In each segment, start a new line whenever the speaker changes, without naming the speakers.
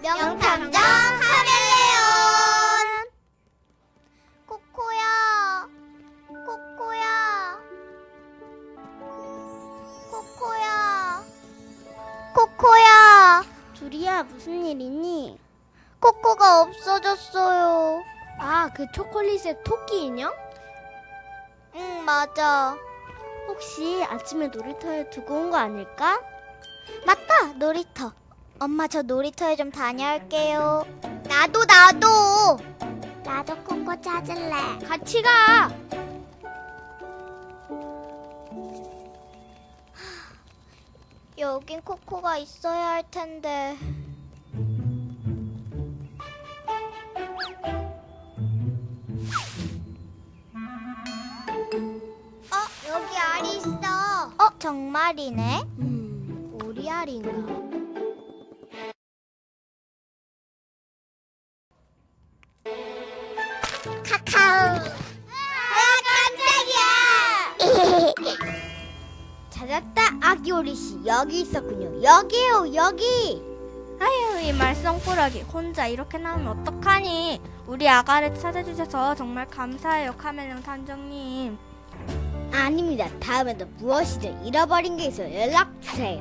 명탐정 카멜레온. 코코야, 코코야, 코코야, 코코야.
둘이야, 무슨 일 있니?
코코가 없어졌어요.
아, 그 초콜릿의 토끼 인형?
응, 맞아.
혹시 아침에 놀이터에 두고 온 거 아닐까?
맞다, 놀이터. 엄마, 저 놀이터에 좀 다녀올게요. 나도. 나도 코코 찾을래.
같이 가!
여긴 코코가 있어야 할 텐데. 여기 알이 있어. 정말이네.
우리 알인가?
카카오. 깜짝이야.
찾았다, 아기 오리씨. 여기 있었군요. 여기요, 여기. 아유, 이 말썽꾸러기. 혼자 이렇게 나오면 어떡하니? 우리 아가를 찾아주셔서 정말 감사해요, 카멜레온 탐정님.
아닙니다. 다음에도 무엇이든 잃어버린 게 있어 연락주세요.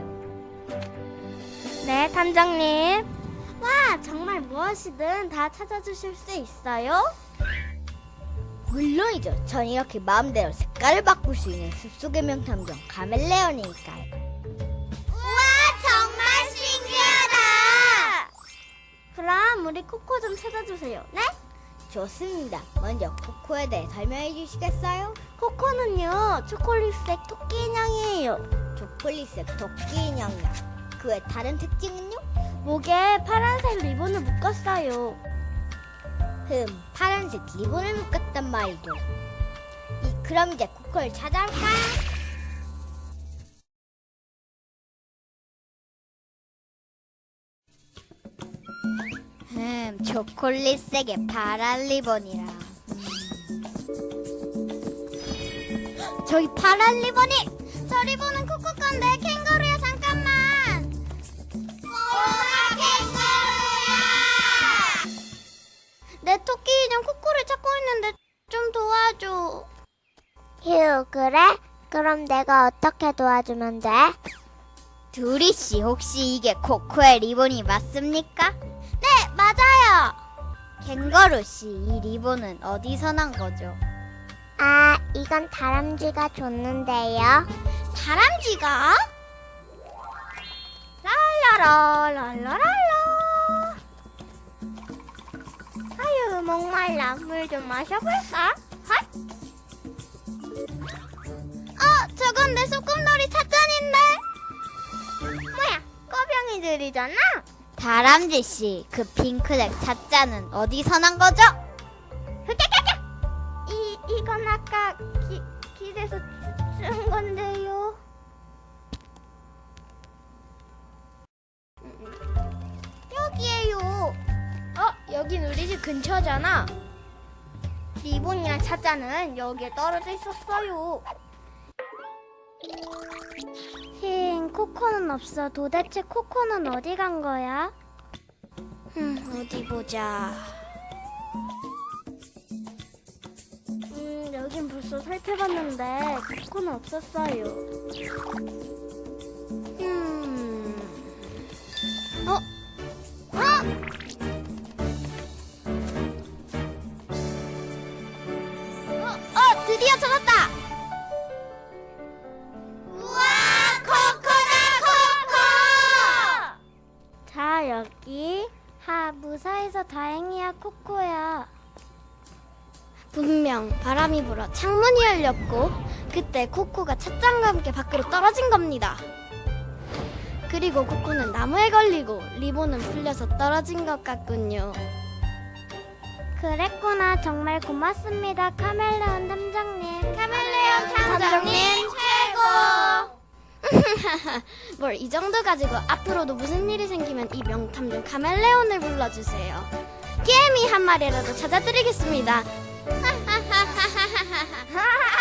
네, 탐정님. 와, 정말 무엇이든 다 찾아주실 수 있어요?
물론이죠. 전 이렇게 마음대로 색깔을 바꿀 수 있는 숲속의 명탐정 카멜레온이니까요. 우와, 정말 신기하다.
그럼 우리 코코 좀 찾아주세요. 네?
좋습니다. 먼저 코코에 대해 설명해 주시겠어요?
코코는요, 초콜릿색 토끼 인형이에요.
초콜릿색 토끼 인형이요. 그 외 다른 특징은요?
목에 파란색 리본을 묶었어요.
파란색 리본을 묶었단 말이죠. 그럼 이제 코코를 찾아올까요? 초콜릿색의 파란 리본이라. 저기 파란 리본이! 저 리본은 코코 건데, 캥거루야, 잠깐만! 꼬마 캥거루야!
내 토끼 인형 코코를 찾고 있는데 좀 도와줘.
휴, 그래? 그럼 내가 어떻게 도와주면 돼? 두리씨, 혹시 이게 코코의 리본이 맞습니까?
네, 맞아요.
캥거루씨, 이 리본은 어디서 난 거죠?
아, 이건 다람쥐가 줬는데요.
다람쥐가? 랄라라랄라랄라. 아유, 목말라. 물 좀 마셔볼까? 헛. 저건 내 소꿉놀이 찻잔인데? 뭐야, 꺼병이들이잖아?
다람쥐씨, 그 핑크색 찻잔은 어디서 난 거죠?
이건 아까 길에서 쓴 건데요. 여기에요. 여긴 우리 집 근처잖아. 리본이랑 찻잔은 여기에 떨어져 있었어요. 코코는 없어. 도대체 코코는 어디 간 거야? 어디 보자. 여긴 벌써 살펴봤는데 코코는 없었어요. 드디어 찾았다!
우와, 코코다, 코코!
자, 여기. 무사해서 다행이야, 코코야. 분명 바람이 불어 창문이 열렸고 그때 코코가 찻잔과 함께 밖으로 떨어진 겁니다. 그리고 코코는 나무에 걸리고 리본은 풀려서 떨어진 것 같군요. 그랬구나. 정말 고맙습니다, 카멜레온 탐정님.
카멜레온 탐정님 최고!
뭘 이 정도 가지고 앞으로도 무슨 일이 생기면 이 명탐정 카멜레온을 불러주세요. 개미 한 마리라도 찾아드리겠습니다.